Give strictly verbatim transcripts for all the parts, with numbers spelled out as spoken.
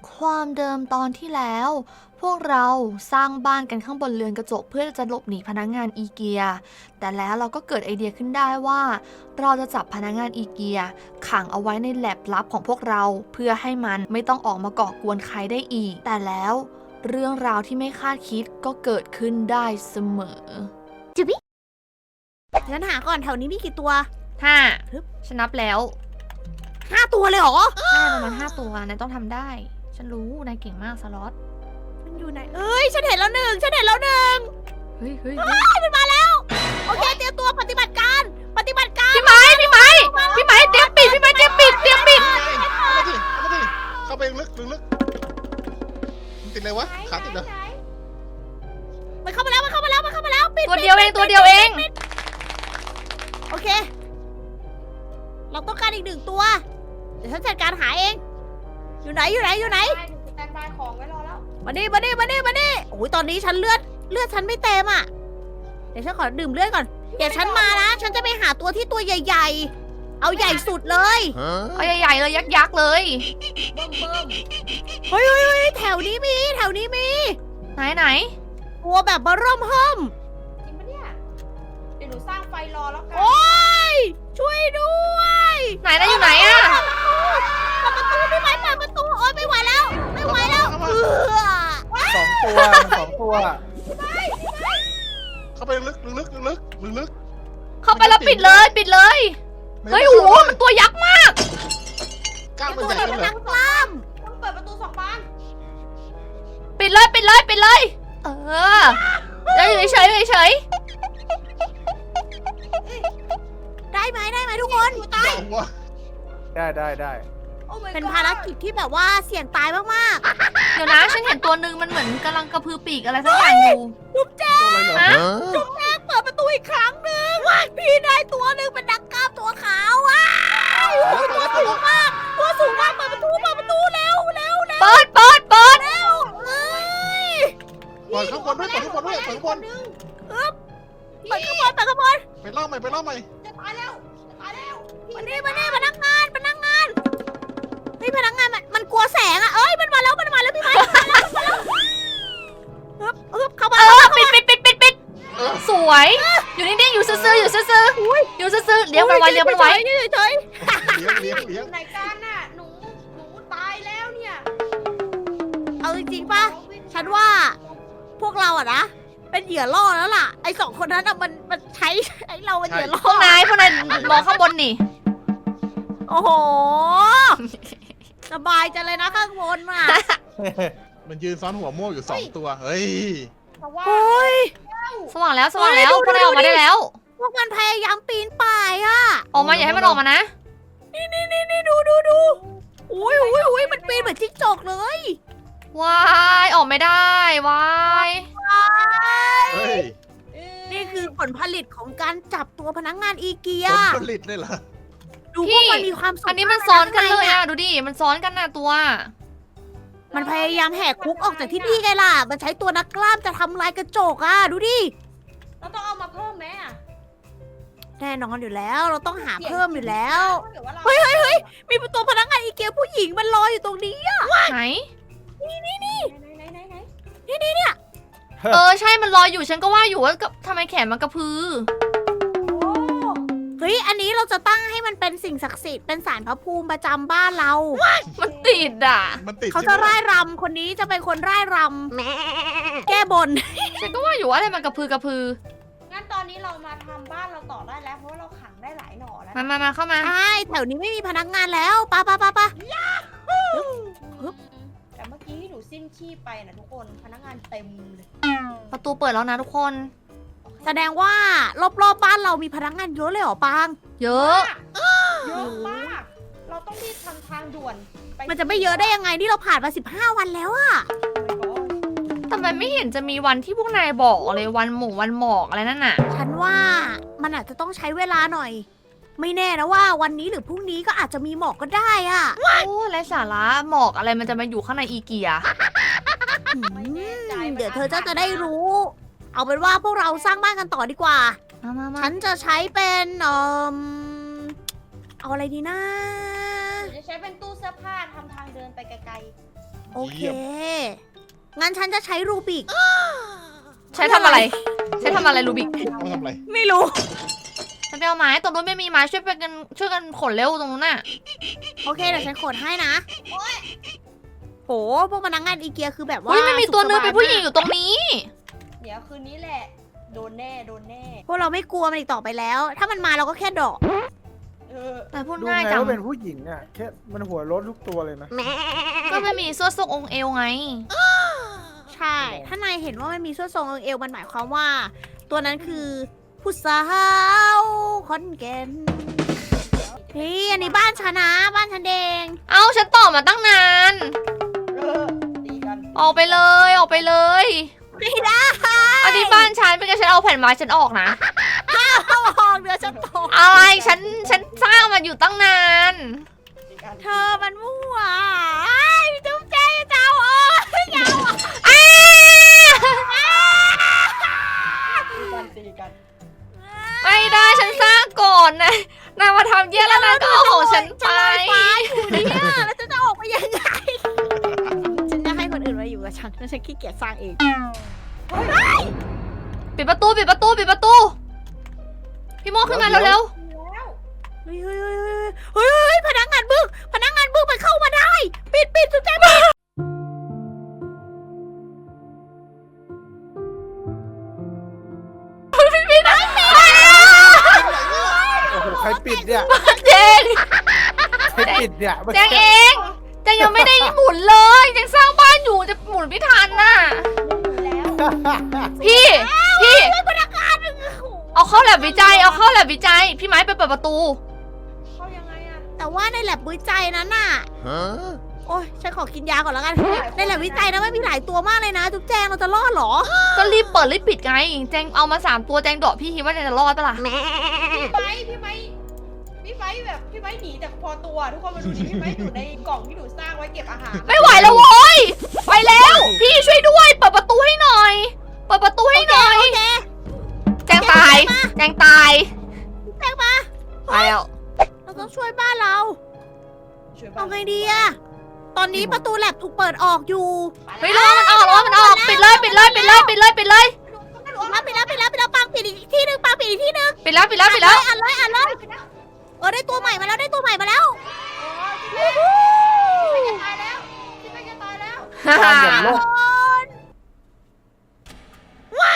ความเดิมตอนที่แล้ว พวกเราสร้างบ้านกันข้างบนเรือนกระจกเพื่อจะหลบหนีพนักงานอีเกีย แต่แล้วเราก็เกิดไอเดียขึ้นได้ว่า เราจะจับพนักงานอีเกียขังเอาไว้ในแลบลับของพวกเราเพื่อให้มันไม่ต้องออกมาก่อกวนใครได้อีก แต่แล้วเรื่องราวที่ไม่คาดคิดก็เกิดขึ้นได้เสมอจุบิงั้นหาก่อนแถวนี้มีกี่ตัวห้าฮึบฉันนับแล้วห้าตัวเลยเหรอใช่ประมาณห้าตัวนายต้องทำได้ ฉันรู้นายเก่งมากสล็อตมันอยู่ไหน เอ้ย ฉันเห็นแล้วหนึ่งฉันเห็นแล้วหนึ่งเฮ้ยเฮ้ยเฮ้ยมันมาแล้ว โอเค เตรียมตัวปฏิบัติการ ปฏิบัติการพี่ไม้พี่ไม้พี่ไม้เตรียมปิดพี่ไม้เตรียมปิดเตรียมปิดเอามาดิเอามาดิเข้าไปลึกลึกลึกมันติดอะไรวะขาติดเหรอมันเข้ามาแล้ว มันเข้ามาแล้ว มันเข้ามาแล้ว ปิดตัวเดียวเองตัวเดียวเองโอเค เราต้องการอีกหนึ่งตัว เดี๋ยวฉันจัดการหาเอง อยู่ไหน อยู่ไหน อยู่ไหนได้ถึงสแตนบายของไว้รอแล้วมาดิมาดิมาดิมาดิโอ้ยตอนนี้ฉันเลือด เลือดฉันไม่เต็มอ่ะ เดี๋ยวฉันขอดื่มเลือดก่อน เดี๋ยวฉันมานะ ฉันจะไปหาตัวที่ตัวใหญ่ๆ เอาใหญ่สุดเลยเอาใหญ่ๆเลยยักษ์ๆเลยเบิ่มเบิ่มเฮ้ยเฮ้ยเฮ้ยแถวนี้มี แถวนี้มีไหนไหนตัวแบบบาร่มเฮิมจริงปะเนี่ย เดี๋ยวหนูสร้างไฟรอแล้วกันโอ้ย ช่วยด้วยไหนนะอยู่ไหนอะเปิดประตูพี่ไม้เปิดประตู โอ๊ยไม่ไหวแล้ว ไม่ไหวแล้วเออสองตัวสองตัว เข้าไปลึกลึกลึกลึกลึกลึกเข้าไปแล้วปิดเลยปิดเลยเฮ้ยโอ้โหมันตัวยักษ์มากกล้ามมันตัวใหญ่แบบเลยเหรนัอกกล้ามต้องเปิดประตูสองบานปิดเลยปิดเลยปิดเลย เออเดี๋ยวอยู่เฉยๆอยู่เฉยได้ไหมได้ไหมทุกคนตายเอาวะได้ได้ได้โอ้ my เป็น god ภารกิจที่แบบว่าเสี่ยงตายมากๆเดี๋ยวนะฉันเห็นตัวหนึ่งมันเหมือนกำลังกระพือปีกอะไรสักอย่างอยู่ๆจุ๊บแจ๊กตัวอะไรเหรอฮะจุ๊บแจ๊กเปิดประตูอีกครั้งหนึ่งว้ายพี่ได้ตัวหนึ่งเป็นนักกล้ามตัวขาวว้ายโอ้ยตัวสูงมากตัวสูงมากเปิดประตูเปิดประตูเร็วเร็วเร็วเปิดเปิดเปิดเร็วเอ้ยเปิดข้างบนด้วยเปิดข้างบนด้วยเปิดข้างบนเปิดข้างบนเปิดข้างบนไปเล่าใหม่ไปเล่าใหม่จะตายแล้ว จะตายแล้วมานี่มานี่พนักงานพนักงานเฮ้ยพนักงานมันมันกลัวแสงอ่ะเอ้ยมันมาแล้วมันมาแล้วพี่ไม้มันมาแล้วมันมาแล้วฮึบฮึบเข้ามาเออปิดปิดปิดปิดปิดเออสวย อยู่นิ่งๆอยู่ซื่อๆอยู่ซื่อๆอยู่ซื่อๆเลี้ยงมันไว้เลี้ยงมันไว้เฉยๆเฉยเลี้ยงเลี้ยงเลี้ยงไหนกันน่ะ หนู หนูตายแล้วเนี่ยๆเอาจริงๆป่ะฉันว่าพวกเราอะนะเป็นเหยื่อล่อแล้วล่ะไอ้สองคนนั้นอะมันมันใช้ไอ้เราเป็นเหยื่อล่อพวกนายพวกนายมองข้างบนนี่โอ้โหสบายจังเลยนะข้างบนอ่ะมันยืนซ้อนหัวโม่อยู่สองตัวเฮ้ยแต่ว่าโอ้ยสว่างแล้วสว่างแล้วพวกนายออกมาได้แล้วพวกมันพยายามปีนป่ายอ่ะออกมาอย่าให้มันออกมานะนี่นี่นี่นี่ดูดูดูอุ้ยอุ้ยอุ้ยมันปีนเหมือนจิ้งจกเลยวายออกไม่ได้วายเฮ้ยนี่คือผลผลิตของการจับตัวพนักงานอีเกียผลผลิตเลยเหรอดูพวกมันมีความสุขอันนี้มันซ้อนกันเลยมากอ่ะดูดิมันซ้อนกันน่ะตัวมันพยายามแหกคุกออกจากที่นี่ไงล่ะ มันใช้ตัวนักกล้ามจะทำลายกระจกอ่ะดูดิเราต้องเอามาเพิ่มไหมอ่ะแน่นอนอยู่แล้ว เราต้องหาเพิ่มอยู่แล้วถ้าเกิดว่าเราเฮ้ยเฮ้ยเฮ้ยมีตัวพนักงานอีเกียผู้หญิงมันรออยู่ตรงนี้อะไหนไหนไหนไหนไหนไหนเออใช่มันลอยอยู่ฉันก็ว่าอยู่ว่ากับทำไมแขนมันกระพือโอ้เฮ้ย อันนี้เราจะตั้งให้มันเป็นสิ่งศักดิ์สิทธิ์ เป็นศาลพระภูมิประจำบ้านเรามันติดอ่ะมันติดเขาจะร่ายรำคนนี้จะเป็นคนร่ายรำแก้บนฉันก็ว่าอยู่ว่าอะไรมันกระพือกระพืองั้นตอนนี้เรามาทำบ้านเราต่อได้แล้ว เพราะว่าเราขังได้หลายหน่อแล้วมามามาเข้ามาใช่ แถวนี้ไม่มีพนักงานแล้วปะปะปะปะแต่เมื่อกี้ที่หนูสิ้นชีพไปนะทุกคน พนักงานเต็มเลยประตูเปิดแล้วนะทุกคนแสดงว่ารอบๆบบ้านเรามีพนักงานเยอะเลยเหรอปางเยอะเยอะมาก เราต้องรีบทำทางด่วนปมันจะไม่เยอะได้ยังไงนี่เราผ่านมาสิบห้าวันแล้วอะโอ้ยแต่มันไม่เห็นจะมีวันที่พวกนายบอกเลยวันหมู่วันหมอกอะไรนั่นน่ะฉันว่ามันอาจจะต้องใช้เวลาหน่อย ไม่แน่นะว่าวันนี้หรือพรุ่งนี้ก็อาจจะมีหมอกก็ได้อะโอ้ไรสาระหมอกอะไรมันจะมาอยู่ข้างในอีเกียไม่แน่ใจเดี๋ยวเธอจะจะได้รู้ เอาเป็นว่าพวกเราสร้างบ้านกันต่อดีกว่ามามามาฉันจะใช้เป็นเอ่อเอาอะไรดีนะหนูจะใช้เป็นตู้เสื้อผ้าทำทางเดินไปไกลโอเคเยี่ยมงั้นฉันจะใช้รูบิกใช้ทำอะไร ใช้ทำอะไรลูบิกต้องทำอะไรไม่รู้ฉันไปเอาไม้ตรงนู้นไม่มีไม้ช่วยไปกันช่วยกันขนเร็วตรงนู้นน่ะโอเคเดี๋ยวฉันขนให้นะโหพวกพนักงานอีเกียคือแบบว่าเฮ้ยไม่มีตัวเนื้อสุขสบายเป็นผู้หญิงอยู่ตรงนี้เดี๋ยวคืนนี้แหละ โดนแน่ โดนแน่พวกเราไม่กลัวมันอีกต่อไปแล้ว ถ้ามันมาเราก็แค่เดอกเออแต่พูดดูง่ายไงจังว่าเป็นผู้หญิงอ่ะแค่มันหัวรถทุกตัวเลยนะก็ไม่มีเสื้อทรงองค์เอวไงใช่ ถ้านายเห็นว่ามันมีส่วนทรงเอวมันหมายความว่า ตัวนั้นคือผู้สาว คอนแกนพี่อันนี้บ้านฉันนะบ้านฉันเองเอ้าฉันต่อมาตั้งนานเออตีกันออกไปเลยออกไปเลยไม่ได้อันนี้บ้านฉันเป็นไงฉันเอาแผ่นไม้ฉันออกนะเข้าห้องเดือฉันตกอะไรฉันฉันสร้างมันอยู่ตั้งนานตีกันเธอมันมั่วไอ้ยจุ๊บเจ๊เจ้าเอ้ยยาวอ่ะอ้าตีกันตีกันไม่ได้ฉันสร้างก่อนนะนายมาทำเยี่ยแล้วนายก็เอาของฉันไปฟ้าอยู่เนี่ยแล้วฉันจะออกไปยังไง ฉันจะให้คนอื่นมาอยู่กับฉันแล้วฉันขี้เกียจสร้างเองปิดประตูปิดประตูปิดประตู พี่โมขึ้นมาเร็วแล้วเฮ้ยเฮ้ยเฮ้ยเฮ้ยเฮ้ยพนักงานบึ้งพนักงานบึ้งมันเข้ามาได้ ปิดปิดจุ๊บแจ๊ปิดโอ้โหใครปิดเนี่ยๆเจงใครปิดเนี่ยแจงเองแจงยังไม่ได้หมุนเลยแจงสร้างบ้านอยู่จะหมุนไม่ทันน่ะแล้วพี่พี่พนักงานเอาเข้าแลบวิจัยเอาเข้าแลบวิจัย พี่ไม้ไปเปิดประตูเข้ายังไงอะแต่ว่าในแลบวิจัยนั้นน่ะฮะโอ้ยฉันขอกินยาก่อนแล้วกัน ในแลบวิจัยนะมันมีหลายตัวมากเลยนะ จุ๊บแจงเราจะรอดเหรอก็รีบเปิดรีบปิดไงแจงเอามาสามตัวแจงเดาะพี่คิดว่าแจงจะรอดปะล่ะพี่ไม้พี่ไม้พี่ไม้แบบพี่ไม้หนีจากพอตัว ทุกคนมาดูดิพี่ไม้อยู่ในกล่องที่หนูสร้างไว้เก็บอาหารไม่ไหวแล้วโว้ยไปแล้ว พี่ช่วยด้วยเปิดประตูให้หน่อย เปิดประตูให้หน่อยโอเคแจงตายแจงตายแจงมาตายแล้วเราต้องช่วยบ้านเราช่วยบ้าเอานไงดีอะตอนนี้ประตูแลบถูกเปิดออกอยู่เฮ้ยรอมันออกรอมันออกปิดเลยปิดเลยปิดเลยปิดเลยปิดเลยปิดแล้วปิดแล้วปิดแล้วปิดแล้วปังปิดอีกที่หนึงปังปิดอีกที่หนึงปิดแล้วปิดแล้วปิดแล้วอันเลยอันเลยเออได้ตัวใหม่มาแล้วได้ตัวใหม่มาแล้วพี่จะตายแล้วพี่จะตายแล้วการอย่างโลกว้าว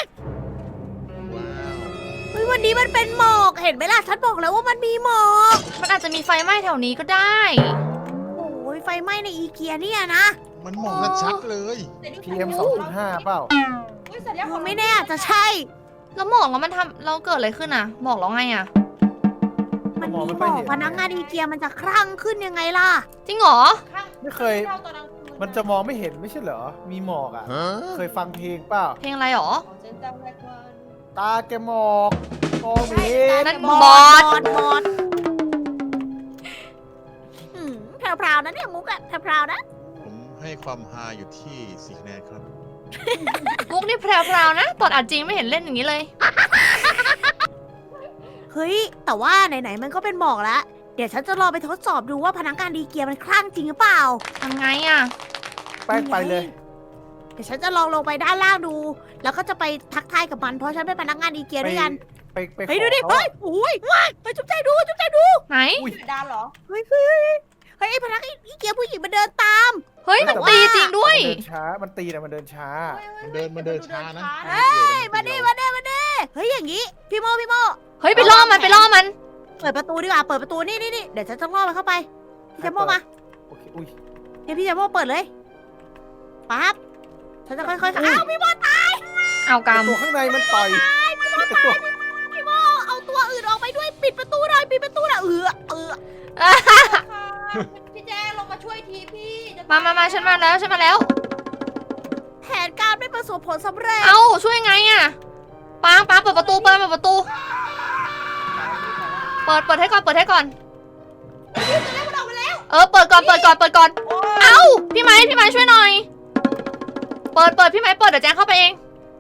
เฮ้ยวันนี้มันเป็นหมอกเห็นไหมล่ะฉันบอกแล้วว่ามันมีหมอกมันอาจจะมีไฟไหม้แถวนี้ก็ได้โอ้ยไฟไหม้ในอีเกียเนี่ยนะมันมองกันชัดเลยพีเอ็มสองจุดห้าเปล่าอุ้ยสัญญาณมันไม่แน่อาจจะใช่แล้วหมอกแล้วมันทำเราเกิดอะไรขึ้นอ่ะหมอกแล้วไงอ่ะมันมองมีไม่หมค่อยอกเห็นพนักงานอีเกียมันจะคลั่งขึ้นยังไงล่ะจริงเหรอไม่เคย มันจะมองไม่เห็นไม่ใช่เหรอ มีหมอกอ่ะฮะเคยฟังเพลงเปล่าเพลงอะไรหรอของฉันจำได้ว่าตาแกหมอกมองไม่เห็นนั่นบบออดสบอดบอดอืมแพรวๆนะเนี่ยมุกอะแพรวๆนะผมให้ความฮาอยู่ที่สี่คะแนนครับมุกนี่แพรวๆนะตอนอัดจริงไม่เห็นเล่นอย่างนี้เลยเฮ้ย แต่ว่าไหนๆมันก็เป็นหมอกแล้ว เดี๋ยวฉันจะรอไปทดสอบดูว่าพนักงานดีเกียมันคลั่งจริงหรือเปล่าทำไงอ่ะแป้งไปเลยเดี๋ยวฉันจะลองลงไปด้านล่างดู แล้วก็จะไปทักทายกับมันเพราะฉันเป็นพนักงานดีเกียด้วยกันไปไปขอเฮ้ยดูดิเขาเฮ้ยอุ้ยไปจุ๊บใจดูจุ๊บใจดูไหนดานเหรอเฮ้ยเฮ้ยเฮ้ยเฮ้ยไอ้พนักงานดีเกียผู้หญิงมันเดินตามเฮ้ยมันตีจริงด้วยมันเดินช้า มันตีนะมันเดินช้ามันเดินมันเดินช้านะเฮ้ยมาดิมาดิมาดิเฮ้ยอย่างงี้พี่โมพี่โมเฮ้ยไปล่อมันไปล่อมันเปิดประตูดีกว่าเปิดประตูนี่นี่นี่เดี๋ยวฉันจะล่อมันเข้าไปพี่แจมโมมาโอเค อุ้ยเดี๋ยวพี่แจมโมเปิดเลยปั๊บฉันจะค่อยๆอ้าวพี่โมตายเอากตัวข้างในมันต่อยตัวพี่โมเอาตัวอื่นออกไปด้วยปิดประตูหน่อยปิดประตูหน่อยเออเออำพี่แจ้งลงมาช่วยทีพี่จะมามามาฉันมาแล้วฉันมาแล้วแผนการไม่ประสบผลสำเร็จเอ้าช่วยไงอ่ะปางปางเปิดประตูเปิดเปิดประตู เปิดเปิดให้ก่อนเปิดให้ก่อน เออเปิดก่อนเปิดก่อนเปิดก่อน เอ้าพี่ไม้พี่ไม้ช่วยหน่อย เปิดเปิดพี่ไม้เปิดเดี๋ยวแจงเข้าไปเอง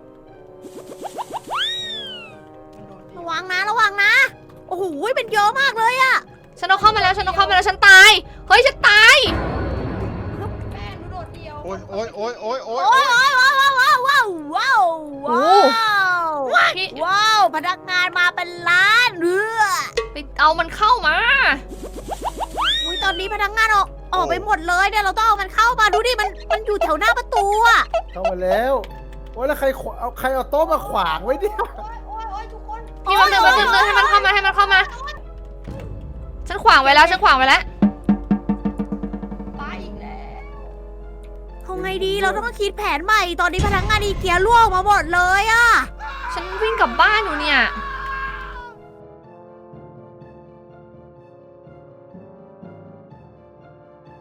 ระวังนะระวังนะโอ้โหเป็นเยอะมากเลยอะฉันเอาเข้ามาแล้วฉันเอาเข้ามาแล้วฉันตาย เฮ้ยฉันตายแป้งหนูโดดเดียวโอ้ยโอ้ยโอ้ยโอ้ยโอ้ยโอ้ยโอ้ยว้าวว้าวว้าวว้าวว้าวว้าวพี่ว้าวพนักงานมาเป็นล้านเรือไปเอามันเข้ามาอุ้ยตอนนี้พนักงานออกออกไปหมดเลยเนี่ยเราต้องเอามันเข้ามาดูดิมันมันอยู่แถวหน้าประตูอะเข้ามาแล้วโอ้ยแล้วใครขวเอาใครเอาโต๊ะมาขวางไว้เนี่ยโอ้ยโอ้ยโอ้ยทุกคนพี่วันหนึ่งวันหนึ่งให้มันเข้ามาให้มันเข้ามา ฉันขวางไว้แล้วฉันขวางไว้แล้วตายอีกแล้วทำไงดีเราต้องคิดแผนใหม่ ตอนนี้พนักงานอีเกียล่วงมาหมดเลยอะฉันวิ่งกลับบ้านอยู่เนี่ยโ